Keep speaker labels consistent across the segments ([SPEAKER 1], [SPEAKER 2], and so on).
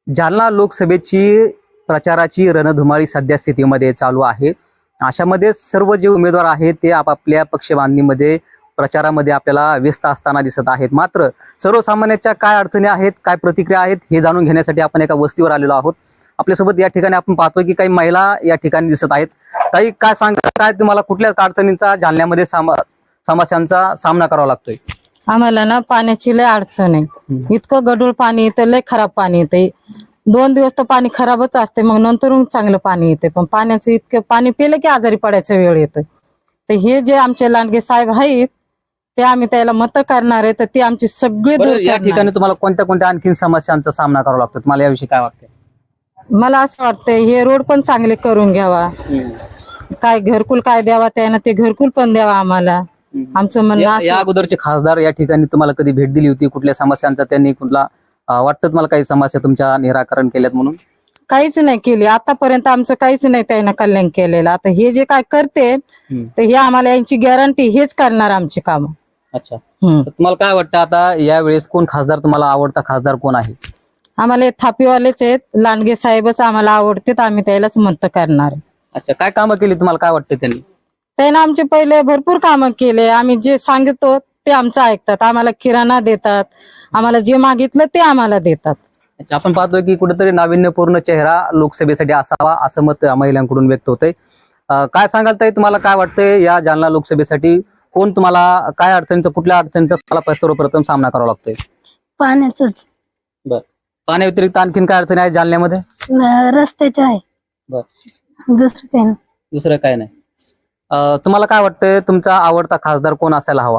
[SPEAKER 1] जालना लोकसभेची प्रचाराची रणधुमाळी सध्या स्थितीमध्ये चालू आहे। अशामध्ये सर्व जे उमेदवार आहेत ते आपापल्या पक्षबांधणीमध्ये प्रचारामध्ये आपल्याला व्यस्त असताना दिसत आहेत। मात्र सर्वसामान्यांच्या काय अडचणी आहेत, काय प्रतिक्रिया आहेत हे जाणून घेण्यासाठी आपण एका वस्तीवर आलेलो आहोत। आपल्यासोबत या ठिकाणी आपण पाहतोय की काही महिला या ठिकाणी दिसत आहेत। काही काय सांगा, काय तुम्हाला कुठल्या अडचणींचा जालन्यामध्ये समस्यांचा सामना करावा लागतोय?
[SPEAKER 2] आम्हाला ना पाण्याची लय अडचण आहे। इतकं गढूळ पाणी येतं, लय खराब पाणी येते। 2 दिवस तर पाणी खराबच असते, मग नंतर चांगलं पाणी येते। पण पाण्याचं इतकं पाणी पिलं की आजारी पडायचा वेळ येतोय। तर हे जे आमचे लांडगे साहेब आहेत ते आम्ही त्याला मत करणार आहे, तर ते आमची सगळी दूर
[SPEAKER 1] या
[SPEAKER 2] करणार।
[SPEAKER 1] ठिकाणी तुम्हाला कोणत्या आणखीन समस्यांचा सामना करावा लागतो? तुम्हाला याविषयी काय वाटतं?
[SPEAKER 2] मला असं वाटतंय हे रोड पण चांगले करून घ्यावा, काय घरकुल काय द्यावा, त्यानं ते घरकुल पण द्यावा आम्हाला। आमचं म्हणणं
[SPEAKER 1] या अगोदरचे खासदार या ठिकाणी तुम्हाला कधी भेट दिली होती? कुठल्या समस्यांचा त्यांनी कुठला वाटतं तुम्हाला काही समस्या तुमच्या निराकरण केल्यात म्हणून?
[SPEAKER 2] काहीच नाही केली आतापर्यंत, आमचं काहीच नाही त्यानं कल्याण केलेलं। आता हे जे काय करते तर हे आम्हाला यांची गॅरंटी हेच करणार आमची काम।
[SPEAKER 1] अच्छा, तुम्हाला काय वाटतं आता यावेळेस कोण खासदार तुम्हाला आवडता खासदार कोण आहे?
[SPEAKER 2] आम्हाला हे थापीवालेच आहेत, लांडगे साहेबच आम्हाला आवडतात, आम्ही त्यालाच मत करणार।
[SPEAKER 1] अच्छा, काय कामं केली तुम्हाला काय वाटतं त्यांनी?
[SPEAKER 2] त्यानं आमचे पहिले भरपूर कामं केले। आम्ही जे सांगतो ते आमचं ऐकतात, आम्हाला किराणा देतात, आम्हाला जे मागितलं ते आम्हाला देतात।
[SPEAKER 1] अच्छा, आपण पाहतोय की कुठेतरी नाविन्यपूर्ण चेहरा लोकसभेसाठी असावा असं मत महिलांकडून व्यक्त होतंय। काय सांगाल ताई, तुम्हाला काय वाटतंय या जालना लोकसभेसाठी कोण तुम्हाला काय अडचणीचा, कुठल्या अडचणीचा तुम्हाला सर्वप्रथम सामना करावा लागतोय?
[SPEAKER 3] पाण्याचंच।
[SPEAKER 1] बर, पाण्या व्यतिरिक्त आणखीन काय अडचणी आहेत जालन्यामध्ये?
[SPEAKER 3] रस्त्याच्या आहे,
[SPEAKER 1] बर,
[SPEAKER 3] दुसरं काही नाही।
[SPEAKER 1] दुसरं काय नाही। तुम्हाला काय वाटतंय तुमचा आवडता खासदार कोण असायला हवा?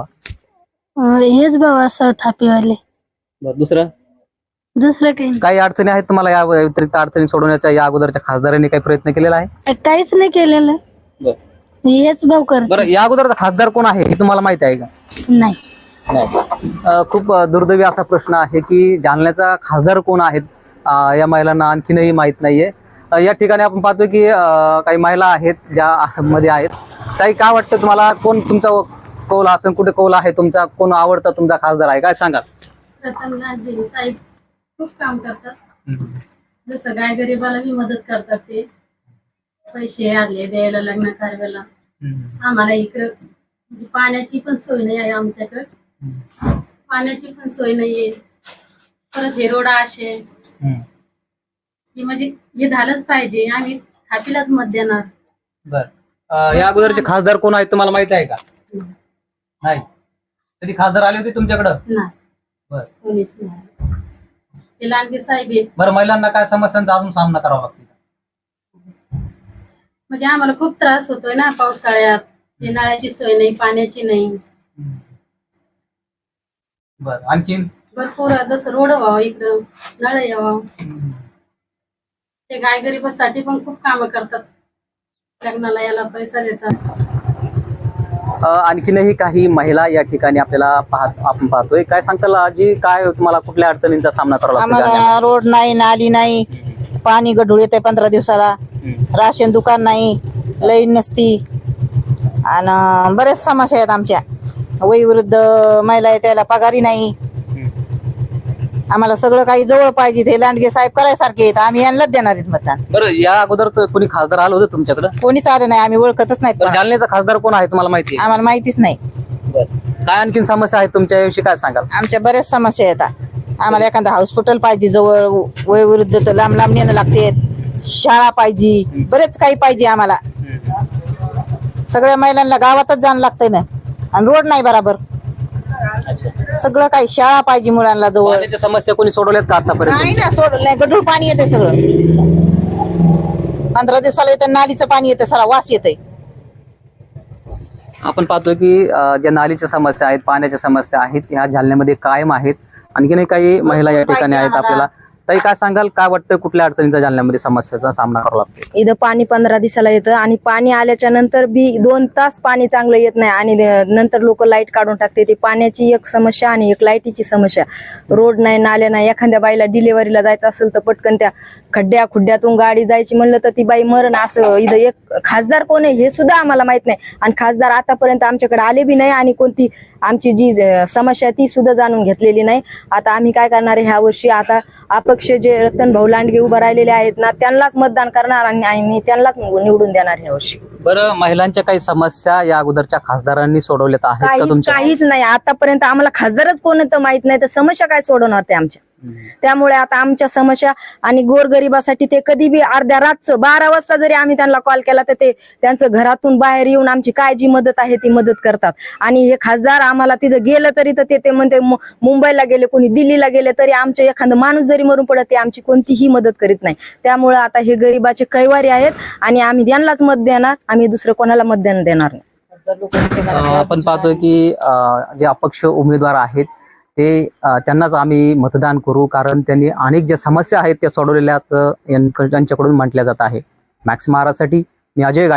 [SPEAKER 3] हेच भाऊ असं थापीवाले,
[SPEAKER 1] बर, दुसरं
[SPEAKER 3] दुसरं काही नाही।
[SPEAKER 1] काही अडचणी आहेत तुम्हाला या व्यतिरिक्त अडचणी सोडवण्याचा या अगोदरच्या खासदारांनी काही प्रयत्न केलेला आहे?
[SPEAKER 3] काहीच नाही केलेलं,
[SPEAKER 1] बर,
[SPEAKER 3] हेच भाऊ करत
[SPEAKER 1] बरं, या अगोदरचा खासदार कोण आहे हे तुम्हाला माहिती आहे का?
[SPEAKER 3] नाही।
[SPEAKER 1] खूप दुर्दैवी असा प्रश्न आहे की जालन्याचा खासदार कोण आहेत या महिलांना आणखीनही माहित नाहीये। या ठिकाणी आपण पाहतोय की काही महिला आहेत ज्या मध्ये आहेत। काही काय वाटतं तुम्हाला, कोण तुमचा कौल असेल, कुठे कौल आहे तुमचा, कोण आवडता तुमचा खासदार आहे, काय सांगाल?
[SPEAKER 4] लांडगे साहेब खूप काम करतात, जसं गाय गरीबाला बी मदत करतात। ते पैसे आले द्यायला लग्न कार्याला, आम्हाला इकडं म्हणजे पाण्याची पण सोय नाही आहे, आमच्याकडं पाण्याची पण सोय नाहीये। परत हे रोड असे की म्हणजे हे झालंच पाहिजे, आम्ही थापीलाच मत देणार।
[SPEAKER 1] बर, या अगोदरचे खासदार कोण आहेत तुम्हाला माहिती आहे का? नाही, कधी खासदार आले होते तुमच्याकडं?
[SPEAKER 4] नाही,
[SPEAKER 1] बर,
[SPEAKER 4] कोणीच नाही। ते लांडगे साहेब आहेत।
[SPEAKER 1] बरं, महिलांना काय समस्यांचा अजून सामना करावा लागतो?
[SPEAKER 4] म्हणजे आम्हाला खूप त्रास होतोय ना पावसाळ्यात, ते नळाची सोय नाही, पाण्याची नाही।
[SPEAKER 1] बर, आणखीन
[SPEAKER 4] भरपूर जसं रोड व्हावं, इकडं नळ यावं। ते गाय गरीबासाठी पण खूप कामं करतात, लग्नाला याला पैसा देतात।
[SPEAKER 1] आणखीनही काही महिला या ठिकाणी आपल्याला आपण पाहतोय। काय सांगताल आजी, काय तुम्हाला कुठल्या अडचणींचा सामना करावा लागतो?
[SPEAKER 5] आम्हाला रोड नाही, नाली नाही, पाणी गढूळ येते 15 दिवसाला, राशन दुकान नाही, लाईन नसती, आणि बरेच समस्या आहेत आमच्या। वयोवृद्ध महिला आहे त्याला पगारी नाही। आम्हाला सगळं काही जवळ पाहिजे, ते लांडगे साहेब करायसारखे आहेत, आम्ही यांनाच देणार आहेत मतदान।
[SPEAKER 1] बरं, या अगोदर कोणी खासदार आलं होतं तुमच्याकडे?
[SPEAKER 5] कोणीच आलं नाही, आम्ही ओळखतच नाहीत।
[SPEAKER 1] जालन्याचा खासदार कोण आहे तुम्हाला माहिती आहे?
[SPEAKER 5] आम्हाला माहितीच नाही।
[SPEAKER 1] काय आणखीन समस्या आहेत तुमच्या विषयी, काय सांगाल?
[SPEAKER 5] आमच्या बऱ्याच समस्या येतात। आम्हाला एखादा हॉस्पिटल पाहिजे जवळ, वयोवृद्ध तर लांब लांब नेणं लागते, शाळा पाहिजे, बरेच काही पाहिजे आम्हाला। सगळ्या महिलांना गावातच जाणं लागतंय ना, आणि रोड नाही बरोबर, सगळं काही शाळा पाहिजे मुलांना जवळ।
[SPEAKER 1] पाण्याच्या समस्या कोणी सोडवल्यात का आतापर्यंत?
[SPEAKER 5] नाही ना, सोडलं गढूळ पाणी येते सगळं, 15 दिवसाला येतं, नालीचं पाणी येतं, सारा वास येतंय।
[SPEAKER 1] आपण पाहतोय की ज्या नालीच्या समस्या आहेत, पाण्याच्या समस्या आहेत, ह्या जालन्यामध्ये कायम आहेत। आणखीनही काही महिला या ठिकाणी आहेत आपल्याला। ताई, काय सांगाल, काय वाटतं कुठल्या अडचणीचा जालन्यामध्ये समस्याचा सामना करावा लागतो?
[SPEAKER 6] इथं पाणी 15 दिवसाला येतं, आणि पाणी आल्याच्या नंतर बी 2 तास पाणी चांगलं येत नाही, आणि नंतर लोक लाईट काढून टाकते। ती पाण्याची एक समस्या आणि एक लाईटीची समस्या। रोड नाही, नाल्या नाही, एखाद्या बाईला डिलिव्हरीला जायचं असेल तर पटकन त्या खड्ड्यातून गाडी जायची म्हणलं तर ती बाई मरण। असं इथं एक खासदार कोण आहे हे सुद्धा आम्हाला माहित नाही, आणि खासदार आतापर्यंत आमच्याकडे आले बी नाही, आणि कोणती आमची जी समस्या ती सुद्धा जाणून घेतलेली नाही। आता आम्ही काय करणार आहे ह्या वर्षी, आता पक्ष जे रतन भाऊ लांडगे उभं राहिलेले आहेत ना त्यांनाच मतदान करणार आणि आम्ही त्यांनाच निवडून देणार ह्या वर्षी.
[SPEAKER 1] बरं, महिलांच्या काही समस्या या अगोदरच्या खासदारांनी सोडवल्यात आहेत का तुमच्या?
[SPEAKER 6] काहीच नाही आतापर्यंत. आम्हाला खासदारच कोण तर माहित नाही, तर समस्या काय सोडवणार ते आमच्या. त्यामुळे आता आमच्या समस्या आणि गोरगरिबासाठी ते कधी बी अर्ध्या रातचं 12 वाजता जरी आम्ही त्यांना कॉल केला तर ते त्यांचं घरातून बाहेर येऊन आमची काय जी मदत आहे ती मदत करतात. आणि हे खासदार आम्हाला तिथं गेलं तरी तर ते म्हणते मुंबईला गेले, कोणी दिल्लीला गेले तरी आमच्या एखादं माणूस जरी मरून पडत ते आमची कोणतीही मदत करीत नाही. त्यामुळे आता हे गरिबाचे कैवारी आहेत आणि आम्ही त्यांनाच मत देणार, आम्ही दुसरं कोणाला मत देणार नाही.
[SPEAKER 1] आपण पाहतोय की जे अपक्ष उमेदवार आहेत ते त्यांनाच आम्ही मतदान करू, कारण त्यांनी अनेक ज्या समस्या आहेत त्या सोडवलेल्याच यांच्याकडून म्हटल्या जात आहे. मॅक्स महाराजसाठी मी अजय